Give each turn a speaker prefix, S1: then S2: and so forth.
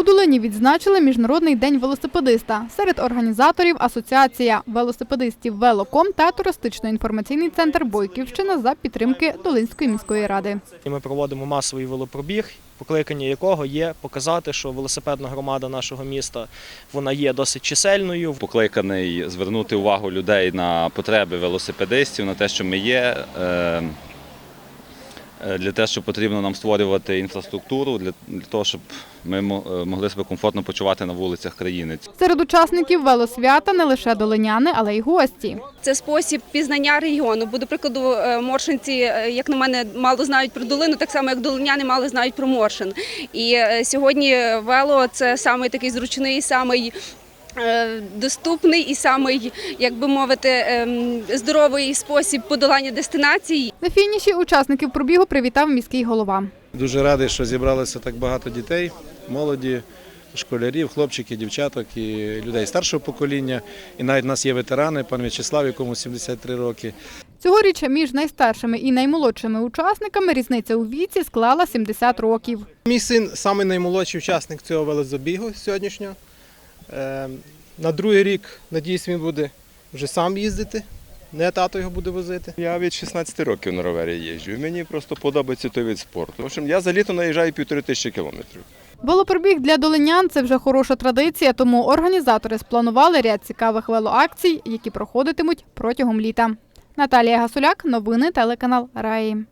S1: У Долині відзначили Міжнародний день велосипедиста. Серед організаторів – асоціація велосипедистів «Велоком» та туристично-інформаційний центр «Бойківщина» за підтримки Долинської міської ради.
S2: Ми проводимо масовий велопробіг, покликання якого є показати, що велосипедна громада нашого міста вона є досить чисельною.
S3: Покликаний звернути увагу людей на потреби велосипедистів, на те, що ми є, для того, що потрібно нам створювати інфраструктуру, для того, щоб ми могли себе комфортно почувати на вулицях країни.
S1: Серед учасників велосвята не лише долиняни, але й гості.
S4: Це спосіб пізнання регіону. Бо, до прикладу, моршинці, як на мене, мало знають про долину, так само, як долиняни мало знають про Моршин. І сьогодні вело – це самий такий зручний, самий доступний і самий, як би мовити, здоровий спосіб подолання дестинацій.
S1: На фініші учасників пробігу привітав міський голова.
S5: Дуже радий, що зібралося так багато дітей, молоді, школярів, хлопчиків, дівчаток і людей старшого покоління. І навіть у нас є ветерани, пан В'ячеслав, якому 73 роки.
S1: Цьогоріч між найстаршими і наймолодшими учасниками різниця у віці склала 70 років.
S6: Мій син – самий наймолодший учасник цього велозабігу сьогоднішнього. На другий рік, надіюсь, він буде вже сам їздити, не тато його буде возити.
S7: Я від 16 років на ровері їжджу, і мені просто подобається той вид спорту. В общем, я за літо наїжджаю 1500 кілометрів.
S1: Велопробіг для долинян – це вже хороша традиція, тому організатори спланували ряд цікавих велоакцій, які проходитимуть протягом літа. Наталія Гасуляк, новини телеканал Раї.